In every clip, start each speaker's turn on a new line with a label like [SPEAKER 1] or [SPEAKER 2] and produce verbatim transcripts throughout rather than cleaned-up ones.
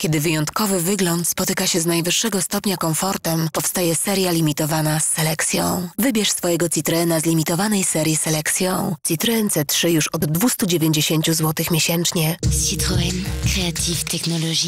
[SPEAKER 1] Kiedy wyjątkowy wygląd spotyka się z najwyższego stopnia komfortem, powstaje seria limitowana z selekcją. Wybierz swojego Citroena z limitowanej serii selekcją. Citroen C trzy już od dwieście dziewięćdziesiąt złotych miesięcznie.
[SPEAKER 2] Citroën, Creative Technologie.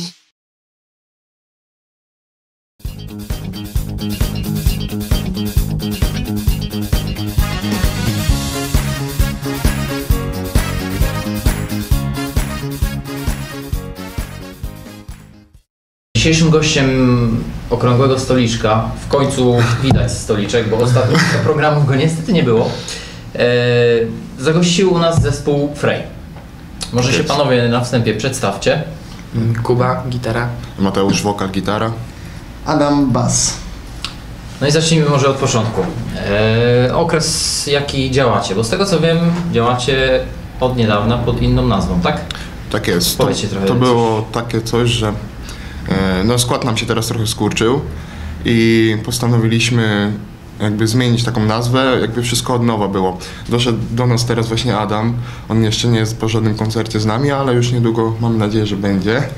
[SPEAKER 3] Dzisiejszym gościem Okrągłego Stoliczka, w końcu widać stoliczek, bo ostatnio programu go niestety nie było, e, zagościł u nas zespół Frey. Może się panowie na wstępie przedstawcie.
[SPEAKER 4] Kuba, gitara.
[SPEAKER 5] Mateusz, wokal, gitara.
[SPEAKER 6] Adam, bas.
[SPEAKER 3] No i zacznijmy może od początku. E, okres jaki działacie, bo z tego co wiem działacie od niedawna pod inną nazwą, tak?
[SPEAKER 5] Tak jest. To,
[SPEAKER 3] Powiedzcie trochę
[SPEAKER 5] to
[SPEAKER 3] coś.
[SPEAKER 5] było takie coś, że e, no skład nam się teraz trochę skurczył i postanowiliśmy jakby zmienić taką nazwę, jakby wszystko od nowa było. Doszedł do nas teraz właśnie Adam, on jeszcze nie jest po żadnym koncercie z nami, ale już niedługo mam nadzieję, że będzie. E,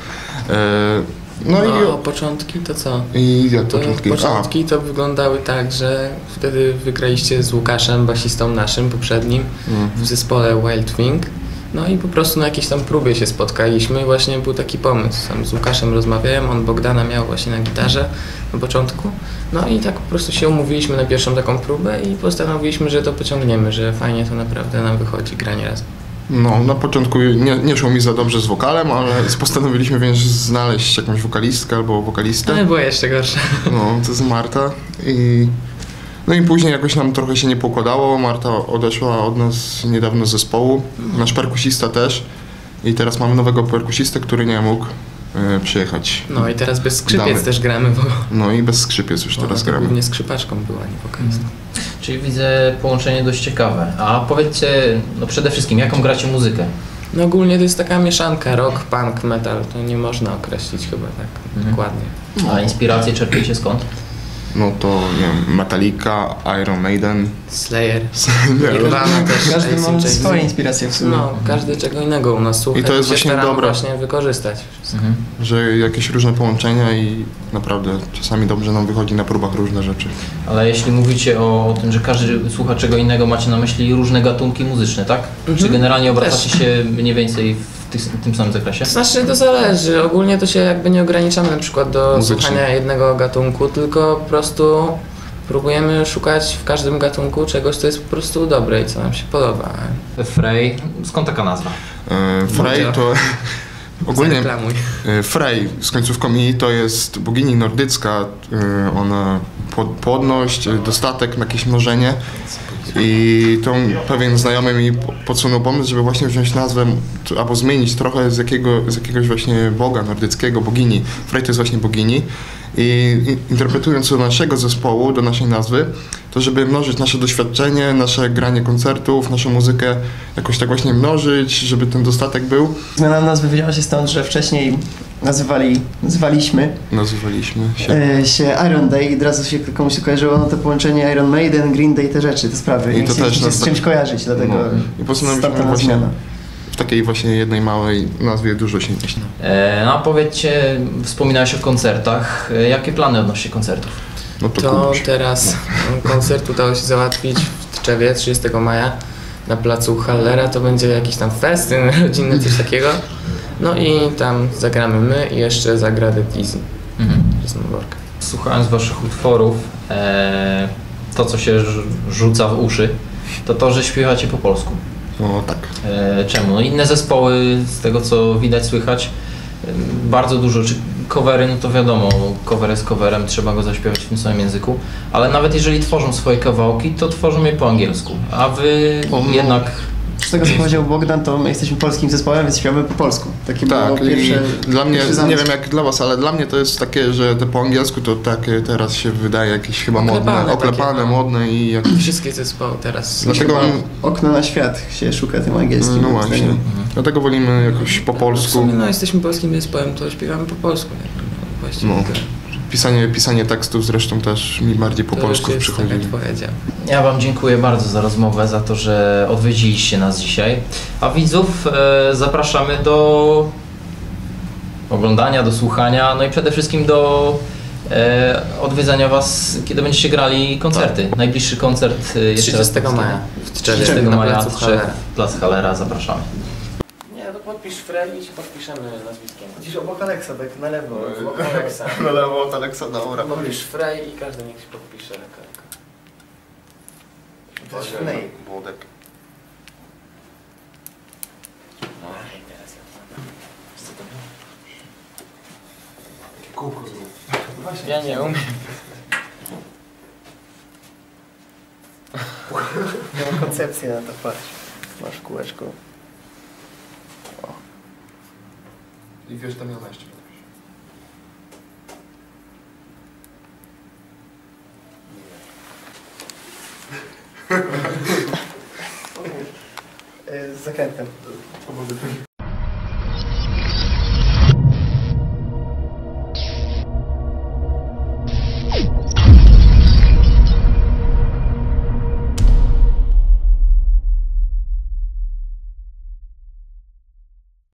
[SPEAKER 4] No,
[SPEAKER 5] no
[SPEAKER 4] no
[SPEAKER 5] i...
[SPEAKER 4] początki to co?
[SPEAKER 5] I jak
[SPEAKER 4] To
[SPEAKER 5] początki?
[SPEAKER 4] początki to wyglądały tak, że wtedy wygraliście z Łukaszem, basistą naszym poprzednim,
[SPEAKER 5] Mhm.
[SPEAKER 4] w zespole Wild Thing. No i po prostu na jakiejś tam próbie się spotkaliśmy i właśnie był taki pomysł. Sam z Łukaszem rozmawiałem, on Bogdana miał właśnie na gitarze na początku. No i tak po prostu się umówiliśmy na pierwszą taką próbę i postanowiliśmy, że to pociągniemy, że fajnie to naprawdę nam wychodzi granie razem.
[SPEAKER 5] No, na początku nie, nie szło mi za dobrze z wokalem, ale postanowiliśmy więc znaleźć jakąś wokalistkę albo wokalistę.
[SPEAKER 4] Ale było jeszcze gorsze.
[SPEAKER 5] No, to jest Marta i... No i później jakoś nam trochę się nie pokładało, Marta odeszła od nas niedawno z zespołu, nasz perkusista też i teraz mamy nowego perkusistę, który nie mógł e, przyjechać.
[SPEAKER 4] No i teraz bez skrzypiec
[SPEAKER 5] Damy.
[SPEAKER 4] też gramy, bo
[SPEAKER 5] No i bez skrzypiec już teraz
[SPEAKER 4] ona to
[SPEAKER 5] gramy.
[SPEAKER 4] głównie skrzypaczką była, nie wokalistą.
[SPEAKER 3] Czyli widzę połączenie dość ciekawe. A powiedzcie, no przede wszystkim, jaką gracie muzykę?
[SPEAKER 4] No ogólnie to jest taka mieszanka rock, punk, metal, to nie można określić chyba tak
[SPEAKER 3] Mhm.
[SPEAKER 4] dokładnie.
[SPEAKER 3] A inspiracje czerpiecie skąd?
[SPEAKER 5] No to nie wiem, Metallica, Iron Maiden.
[SPEAKER 4] Slayer,
[SPEAKER 5] Nie,
[SPEAKER 4] Nirvana też,
[SPEAKER 6] Każdy
[SPEAKER 4] A C/D
[SPEAKER 6] ma
[SPEAKER 4] C.
[SPEAKER 6] swoje inspiracje w sumie.
[SPEAKER 4] No, każdy czego innego u nas słucha
[SPEAKER 5] I to jest
[SPEAKER 4] się
[SPEAKER 5] właśnie
[SPEAKER 4] staramy
[SPEAKER 5] dobre.
[SPEAKER 4] właśnie wykorzystać.
[SPEAKER 3] Mhm.
[SPEAKER 5] że jakieś różne połączenia i naprawdę czasami dobrze nam wychodzi na próbach różne rzeczy.
[SPEAKER 3] Ale jeśli mówicie o, o tym, że każdy słucha czego innego, macie na myśli różne gatunki muzyczne, tak?
[SPEAKER 4] Mhm.
[SPEAKER 3] Czy generalnie obracacie
[SPEAKER 4] Też.
[SPEAKER 3] się mniej więcej w, tych, w tym samym zakresie?
[SPEAKER 4] To znaczy to zależy, ogólnie to się jakby nie ograniczamy na przykład do
[SPEAKER 5] Muzycznie.
[SPEAKER 4] słuchania jednego gatunku, tylko po prostu próbujemy szukać w każdym gatunku czegoś, co jest po prostu dobre i co nam się podoba.
[SPEAKER 3] Frey, skąd taka nazwa?
[SPEAKER 5] E, Frey
[SPEAKER 4] Moja.
[SPEAKER 5] to... Ogólnie
[SPEAKER 4] Zareklamuj.
[SPEAKER 5] e, Frey z końcówką i to jest bogini nordycka, e, ona pod, płodność, e, dostatek, jakieś mnożenie i to pewien znajomy mi po- podsunął pomysł, żeby właśnie wziąć nazwę t- albo zmienić trochę z, jakiego, z jakiegoś właśnie boga nordyckiego, bogini. Frey to jest właśnie bogini i, i interpretując do naszego zespołu, do naszej nazwy, to żeby mnożyć nasze doświadczenie, nasze granie koncertów, naszą muzykę jakoś tak właśnie mnożyć, żeby ten dostatek był.
[SPEAKER 6] Zmiana nazwy wzięła się stąd, że wcześniej nazywali, nazywaliśmy
[SPEAKER 5] Nazywaliśmy się.
[SPEAKER 6] e, się Iron Day i od razu się komuś się kojarzyło no to połączenie Iron Maiden, Green Day, te rzeczy, te sprawy.
[SPEAKER 5] I
[SPEAKER 6] I
[SPEAKER 5] to
[SPEAKER 6] to
[SPEAKER 5] też
[SPEAKER 6] chcieliśmy się
[SPEAKER 5] nas
[SPEAKER 6] z
[SPEAKER 5] tak-
[SPEAKER 6] czymś kojarzyć, dlatego
[SPEAKER 5] No. I postanowiliśmy
[SPEAKER 6] stąd ta
[SPEAKER 5] właśnie
[SPEAKER 6] zmiana.
[SPEAKER 5] w takiej właśnie jednej małej nazwie dużo się mieści.
[SPEAKER 3] E, no a powiedzcie, wspominałeś o koncertach. E, jakie plany odnośnie koncertów?
[SPEAKER 5] No to,
[SPEAKER 4] To
[SPEAKER 5] Kubuś.
[SPEAKER 4] teraz koncert udało się załatwić w Tczewie trzydziestego maja na placu Hallera. To będzie jakiś tam festyn rodzinny, coś takiego. No i tam zagramy my i jeszcze zagra The Dizzy
[SPEAKER 3] Mhm.
[SPEAKER 4] z Noworka.
[SPEAKER 3] Słuchając waszych utworów, e, to co się rz- rzuca w uszy, to to, że śpiewacie po polsku.
[SPEAKER 5] No tak.
[SPEAKER 3] E, czemu? No inne zespoły, z tego co widać, słychać, e, bardzo dużo, czy covery, no to wiadomo, cover jest coverem, trzeba go zaśpiewać w tym samym języku, ale nawet jeżeli tworzą swoje kawałki, to tworzą je po angielsku, a wy
[SPEAKER 5] O, no.
[SPEAKER 3] jednak...
[SPEAKER 6] Z tego co powiedział Bogdan, to my jesteśmy polskim zespołem, więc śpiewamy po polsku. Takie było
[SPEAKER 5] Tak,
[SPEAKER 6] pierwsze,
[SPEAKER 5] i dla mnie,
[SPEAKER 6] pierwszy
[SPEAKER 5] nie
[SPEAKER 6] zamysł.
[SPEAKER 5] wiem jak dla was, ale dla mnie to jest takie, że te po angielsku to takie teraz się wydaje jakieś chyba
[SPEAKER 4] Oklepane
[SPEAKER 5] modne, oklepane,
[SPEAKER 4] takie, no.
[SPEAKER 5] modne i jakieś...
[SPEAKER 4] Wszystkie zespoły teraz.
[SPEAKER 5] Dlatego,
[SPEAKER 6] Chyba okno na świat się szuka tym angielskim.
[SPEAKER 5] no
[SPEAKER 6] moim
[SPEAKER 5] właśnie,
[SPEAKER 6] zdaniem.
[SPEAKER 5] dlatego wolimy jakoś po
[SPEAKER 4] W
[SPEAKER 5] polsku.
[SPEAKER 4] sumie no jesteśmy polskim zespołem, to śpiewamy po polsku. Nie? No, właściwie
[SPEAKER 5] No.
[SPEAKER 4] tyle.
[SPEAKER 5] Pisanie, pisanie tekstów zresztą też mi bardziej po
[SPEAKER 4] To
[SPEAKER 5] polsku
[SPEAKER 4] już jest
[SPEAKER 5] przychodzi.
[SPEAKER 4] taka twoja działa.
[SPEAKER 3] Ja wam dziękuję bardzo za rozmowę, za to, że odwiedziliście nas dzisiaj, a widzów e, zapraszamy do oglądania, do słuchania, no i przede wszystkim do e, odwiedzania Was, kiedy będziecie grali koncerty. Tak. Najbliższy koncert e, jeszcze
[SPEAKER 4] trzydziestego maja w Tczewie,
[SPEAKER 3] trzydziestego
[SPEAKER 4] na
[SPEAKER 3] maja
[SPEAKER 4] placu
[SPEAKER 3] w
[SPEAKER 4] Hallera.
[SPEAKER 3] Tczew, Plac Hallera, zapraszamy.
[SPEAKER 4] Nie, to podpisz Frey i ci podpiszemy nazwiskiem.
[SPEAKER 6] Gdzieś obok Aleksa, tak na lewo.
[SPEAKER 4] Obok Aleksa.
[SPEAKER 5] Na lewo od Aleksa, dobra.
[SPEAKER 4] Podpisz Frey i każdy niech się podpisze.
[SPEAKER 6] To jest Frey.
[SPEAKER 5] Młodek.
[SPEAKER 4] No i teraz ja co to było?
[SPEAKER 5] Kółko zrób.
[SPEAKER 4] Ja nie umiem.
[SPEAKER 6] Ja mam koncepcję na to, patrz. Masz kółeczko.
[SPEAKER 5] I wiesz, tam jedenaście.
[SPEAKER 6] Z zakrętem.
[SPEAKER 5] Pomogę.